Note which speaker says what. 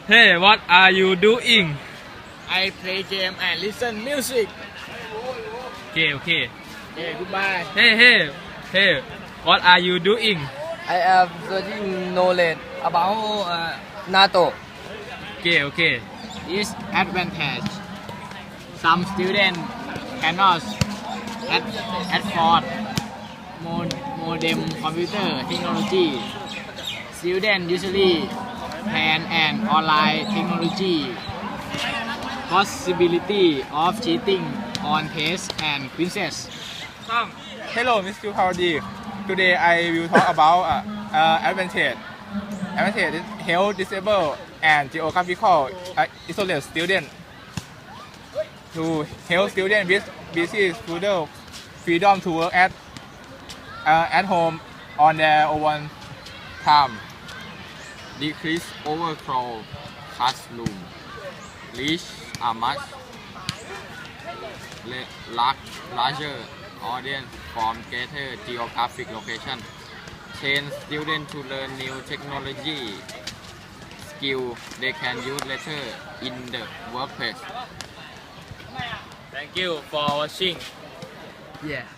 Speaker 1: Hey, what are you doing?
Speaker 2: I play game and listen music.
Speaker 1: Okay, okay.
Speaker 2: Okay, goodbye.
Speaker 1: Hey, what are you doing?
Speaker 3: I am searching knowledge about NATO.
Speaker 1: Okay.
Speaker 2: Disadvantage. Some students cannot afford modem computer technology. Students usually plan an online technology. Possibility of cheating on tests and quizzes.
Speaker 4: Hello, Mr. Paudi. Today I will talk about advantage. Advantage is health disabled and geographical isolate student. To help students with busy schedule, freedom to work at home on their own time.
Speaker 5: Decrease overcrowd classroom. Reach a much larger audience from greater geographic location. Train students to learn new technology skill they can use later in the workplace.
Speaker 1: Thank you for watching.
Speaker 3: Yeah.